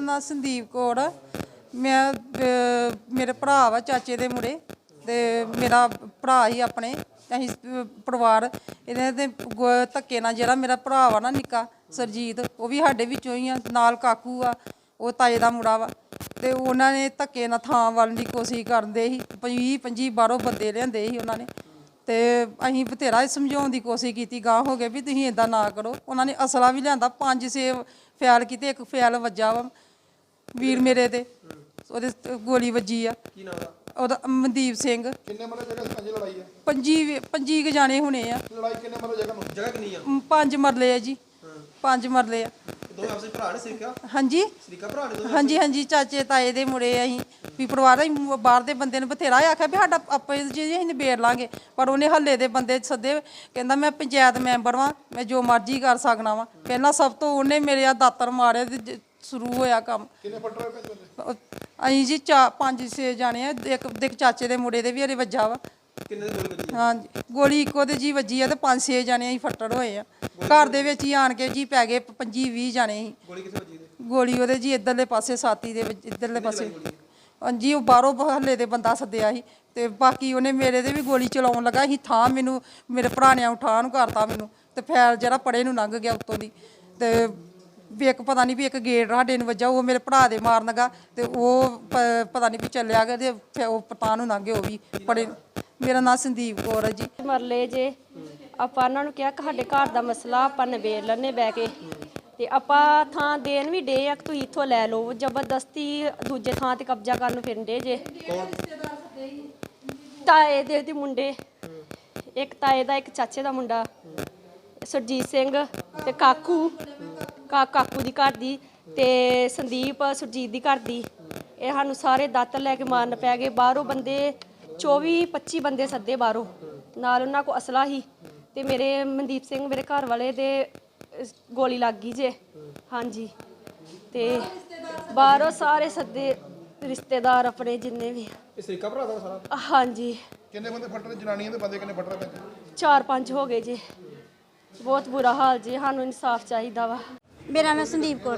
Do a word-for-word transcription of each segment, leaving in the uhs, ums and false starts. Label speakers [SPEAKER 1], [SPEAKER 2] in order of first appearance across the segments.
[SPEAKER 1] ना संदीप कौर मैं मेरे भरा वा चाचे दे मुड़े ते मेरा भरा ही अपने असीं परिवार इहदे ते धक्के नाल जेह्ड़ा मेरा भरा वा ना निक्का सरजीत वो भी साडे विच्चों ही आ नाल काकू आ वो ताए दा मुड़ा वा ते उन्हां ने धक्के नाल थां वल्ल दी कोशिश करदे ही बीह पंजी बाहरों बंदे लिआंदे ही उन्हां ने ते असीं बथेरा समझाउण दी कोशिश कीती गांह हो गए भी तुसीं इदां ना करो उन्हां ने असला भी लिआंदा पंज छे फैल कीते इक फैल वज्जा वा वीर मेरे ते ਉਹਦੇ ਗੋਲੀ ਵੱਜੀ ਆ ਕੀ ਨਾਮ ਦਾ ਉਹਦਾ ਮਨਦੀਪ ਸਿੰਘ ਕਿੰਨੇ ਮਰਲੇ ਜਗ੍ਹਾ ਸਾਂਝੀ ਲੜਾਈ ਆ ਪੰਜੀ ਪੰਜੀ ਕ ਜਾਣੇ ਹੋਣੇ ਆ ਲੜਾਈ ਕਿੰਨੇ ਮਰਲੇ ਜਗ੍ਹਾ ਨੂੰ ਜਗ੍ਹਾ ਕਿੰਨੀ ਆ ਪੰਜ ਮਰਲੇ ਆ ਜੀ ਪੰਜ ਮਰਲੇ ਆ ਦੋਵੇਂ ਆਪਸੇ ਭਰਾ ਨੇ ਸਰੀਕਾ ਹਾਂਜੀ ਸਰੀਕਾ ਭਰਾ ਨੇ ਹਾਂਜੀ ਹਾਂਜੀ ਚਾਚੇ ਤਾਏ ਦੇ ਮੁੰਡੇ ਅਸੀਂ ਵੀ ਪਰਿਵਾਰ ਅਸੀਂ ਬਾਹਰ ਦੇ ਬੰਦੇ ਨੇ ਬਥੇਰਾ ਆਖਿਆ ਵੀ ਸਾਡਾ ਆਪੇ ਜੀ ਅਸੀਂ ਨਿਬੇੜ ਲਾਂਗੇ ਪਰ ਉਹਨੇ ਹੱਲੇ ਦੇ ਬੰਦੇ ਸੱਦੇ ਕਹਿੰਦਾ ਮੈਂ ਪੰਚਾਇਤ ਮੈਂਬਰ ਵਾਂ ਮੈਂ ਜੋ ਮਰਜ਼ੀ ਕਰ ਸਕਣਾ ਵਾਂ ਪਹਿਲਾਂ ਸਭ ਤੋਂ ਉਹਨੇ ਮੇਰੇ ਆ ਦਾਤਰ ਮਾਰਿਆ ਤੇ शुरू होया काम अं जी चा पांच छे जाने एक देख चाचे के मुंडे भी हरे वज्जा वा हाँ जी गोली इको जी वजी है तो पांच छे जाने अं फट्टड़ होए हैं घर दे विच ही आन के जी पै गए पंजी भी जाने गोली वो जी इधरले पासे साथी दे इधरले पासे हाँ जी वो बाहरों हल्ले दे बंदा सद्दिया ही ते बाकी उन्हें मेरे दे भी गोली चलाउण लगा ही थां मैनू मेरे भरा ने उठा नूं करता मैनू ते फैल जिहड़ा पड़े नूं लंघ गया उत्तों दी ते भी एक पता नहीं भी एक गेट साडे नूं वज्जा वो मेरे भरा दे मारन लगा ते वो पता नहीं भी चलिया गया ते फिर वो पता नूं लंघ गए वो भी पड़े मेरा नाम संदीप कौर है जी
[SPEAKER 2] मरले जे ਆਪਾਂ ਉਹਨਾਂ ਨੂੰ ਕਿਹਾ ਕਿ ਸਾਡੇ ਘਰ ਦਾ ਮਸਲਾ ਆਪਾਂ ਨਿਬੇੜ ਲੈਣੇ ਬਹਿ ਕੇ ਤੇ ਆਪਾਂ ਥਾਂ ਦੇਣ ਵੀ ਡੇ ਆ ਤੁਸੀਂ ਇੱਥੋਂ ਲੈ ਲਓ ਜ਼ਬਰਦਸਤੀ ਦੂਜੇ ਥਾਂ ਤੇ ਕਬਜ਼ਾ ਕਰਨ ਨੂੰ ਫਿਰਦੇ ਜੇ ਤਾਏ ਦੇ ਦੇ ਮੁੰਡੇ ਇੱਕ ਤਾਏ ਦਾ ਇੱਕ ਚਾਚੇ ਦਾ ਮੁੰਡਾ ਸੁਰਜੀਤ ਸਿੰਘ ਤੇ ਕਾਕੂ ਕਾ ਕਾਕੂ ਦੀ ਘਰ ਦੀ ਤੇ ਸੰਦੀਪ ਸੁਰਜੀਤ ਦੀ ਘਰ ਦੀ ਇਹ ਸਾਨੂੰ ਸਾਰੇ ਦਾਤਰ ਲੈ ਕੇ ਮਾਰਨ ਪੈ ਗਏ ਬਾਹਰੋਂ ਬੰਦੇ ਚੌਵੀ ਪੱਚੀ ਬੰਦੇ ਸੱਦੇ ਬਾਹਰੋਂ ਨਾਲ ਉਹਨਾਂ ਕੋਲ ਅਸਲਾ ਹੀ ਤੇ ਮੇਰੇ ਮਨਦੀਪ ਸਿੰਘ ਮੇਰੇ ਘਰ ਵਾਲੇ ਦੇ ਗੋਲੀ ਲੱਗ ਗਈ ਜੇ ਹਾਂਜੀ ਤੇ ਬਾਹਰੋਂ ਸਾਰੇ ਸੱਦੇ ਰਿਸ਼ਤੇਦਾਰ ਆਪਣੇ ਜਿੰਨੇ ਵੀ
[SPEAKER 3] ਇਹ ਸਰੀਕਾ ਭਰਾ ਦਾ ਸਾਰਾ
[SPEAKER 2] ਹਾਂਜੀ
[SPEAKER 3] ਕਿੰਨੇ ਬੰਦੇ ਫੱਟ ਰਹੇ ਜਨਾਨੀਆਂ ਦੇ ਬੰਦੇ ਕਿੰਨੇ ਫੱਟ ਰਹੇ
[SPEAKER 2] ਚਾਰ ਪੰਜ ਹੋ ਗਏ ਜੀ बहुत बुरा हाल जी सानू इंसाफ चाहिए वा
[SPEAKER 4] मेरा नाम संदीप कौर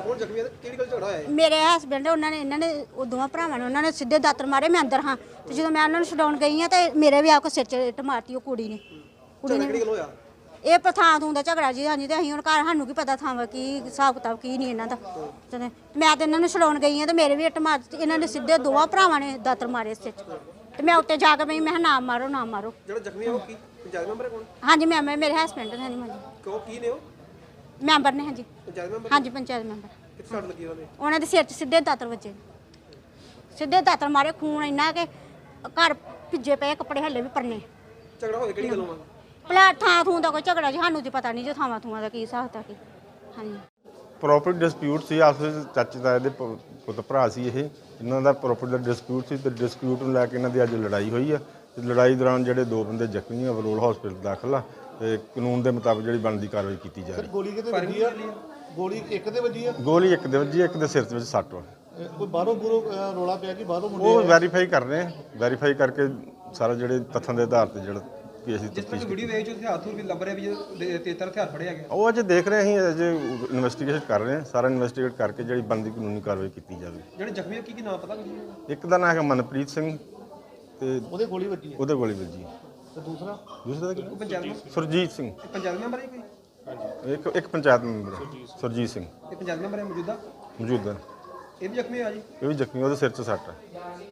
[SPEAKER 4] मेरे हसबैंड उन्होंने इन्होंने दोवां भरावां ने उन्होंने सीधे दातर मारे मैं अंदर हाँ तो जो मैं उन्होंने छुड़ाउण गई हाँ तो मेरे भी आके सिर च इट मारती वो कुड़ी ने कुड़ी ने ये थां थूं का झगड़ा जी हाँ जी तो असीं हुण घर सानू की पता थां की हिसाब किताब की नहीं इन्हां दा ते मैं तो इन्होंने छुड़ाउण गई हाँ तो मेरे भी इट मार इन्होंने सीधे दोवां भरावां ने दातर मारे सिर च ते मैं उत्ते जाके मैं मैं ना मारो ना मारो हाँ जी मैंबर मेरे हसबैंड ने हाँ जी मैंबर ने हाँ जी हाँ जी पंचायत मैंबर उन्होंने सिर च सीधे दातर बजे सीधे दातर मारे खून इन्ना के घर भिजे पे कपड़े हल्ले भी परने भला थां थूं का कोई झगड़ा जी सानू तो पता नहीं जो थावां थूआं का की हिसाब था कि हाँ जी
[SPEAKER 5] प्रॉपर्टी डिस्प्यूट सी आपस ਵਿੱਚ ਚਾਚੇ ਤਾਏ ਦੇ ਪੁੱਤ ਭਰਾ ਸੀ ਇਹ ਇਹਨਾਂ ਦਾ ਪ੍ਰੋਪਰਟੀ ਦਾ ਡਿਸਪਿਊਟ ਸੀ ਤੇ ਡਿਸਪਿਊਟ ਨੂੰ ਲੈ ਕੇ ਇਹਨਾਂ ਦੀ ਅੱਜ ਲੜਾਈ ਹੋਈ ਆ ਤੇ ਲੜਾਈ ਦੌਰਾਨ ਜਿਹੜੇ ਦੋ ਬੰਦੇ ਜ਼ਖਮੀ ਆ ਬਰੋਲ ਹਸਪੀਟਲ ਦਾਖਲ ਆ ਤੇ ਕਾਨੂੰਨ ਦੇ ਮੁਤਾਬਕ ਜਿਹੜੀ ਬਣਦੀ ਕਾਰਵਾਈ ਕੀਤੀ ਜਾ ਰਹੀ।
[SPEAKER 3] ਗੋਲੀ ਕਿਤੇ ਵੱਜੀ ਆ ਗੋਲੀ ਇੱਕ ਦੇ ਵੱਜੀ ਆ
[SPEAKER 5] ਗੋਲੀ ਇੱਕ ਦੇ ਵੱਜੀ ਇੱਕ ਦੇ ਸਿਰ ਵਿੱਚ ਸੱਟ ਵਾ
[SPEAKER 3] ਕੋਈ ਬਾਹਰੋਂ ਬੁਰੋ ਰੋਲਾ ਪਿਆ ਕਿ ਬਾਹਰੋਂ ਮੁੰਡੇ
[SPEAKER 5] ਉਹ ਵੈਰੀਫਾਈ ਕਰ ਰਹੇ ਆ ਵੈਰੀਫਾਈ ਕਰਕੇ ਸਾਰਾ ਜਿਹੜੇ ਤੱਥਾਂ ਦੇ ਆਧਾਰ ਤੇ ਜਿਹੜਾ
[SPEAKER 3] ਜਿਸ ਵੀਡੀਓ ਵੇਚ ਉੱਥੇ ਹੱਥ ਵੀ ਲੱਭ ਰਿਹਾ ਵੀ ਤੇਤਰ ਹਥਿਆਰ ਫੜਿਆ ਗਿਆ
[SPEAKER 5] ਉਹ ਅਜੇ ਦੇਖ ਰਹੇ ਅਸੀਂ ਅਜੇ ਇਨਵੈਸਟੀਗੇਸ਼ਨ ਕਰ ਰਹੇ ਹਾਂ ਸਾਰਾ ਇਨਵੈਸਟੀਗੇਟ ਕਰਕੇ ਜਿਹੜੀ ਬਣਦੀ ਕਾਨੂੰਨੀ ਕਾਰਵਾਈ ਕੀਤੀ ਜਾਵੇ।
[SPEAKER 3] ਜਿਹੜੇ ਜ਼ਖਮੀ ਕੀ ਕੀ ਨਾਮ ਪਤਾ ਕੁਝ
[SPEAKER 5] ਇੱਕ ਦਾ ਨਾਮ ਹੈਗਾ ਮਨਪ੍ਰੀਤ ਸਿੰਘ ਤੇ
[SPEAKER 3] ਉਹਦੇ ਗੋਲੀ ਵੱਜੀ
[SPEAKER 5] ਉਹਦੇ ਗੋਲੀ ਵੱਜੀ
[SPEAKER 3] ਤੇ ਦੂਸਰਾ
[SPEAKER 5] ਦੂਸਰਾ ਦਾ
[SPEAKER 3] ਪੰਚਾਇਤ
[SPEAKER 5] ਸੁਰਜੀਤ ਸਿੰਘ
[SPEAKER 3] ਪੰਚਾਇਤ ਮੈਂਬਰ ਹੈ ਕੋਈ
[SPEAKER 5] ਹਾਂਜੀ ਇੱਕ ਇੱਕ ਪੰਚਾਇਤ ਮੈਂਬਰ ਸੁਰਜੀਤ ਸਿੰਘ
[SPEAKER 3] ਇਹ ਪੰਚਾਇਤ ਮੈਂਬਰ ਹੈ ਮੌਜੂਦਾ
[SPEAKER 5] ਮੌਜੂਦਾ
[SPEAKER 3] ਇਹ ਵੀ ਜ਼ਖਮੀ ਆ ਜੀ
[SPEAKER 5] ਇਹ ਵੀ ਜ਼ਖਮੀ ਉਹਦੇ ਸਿਰ 'ਚ ਸੱਟ ਹੈ।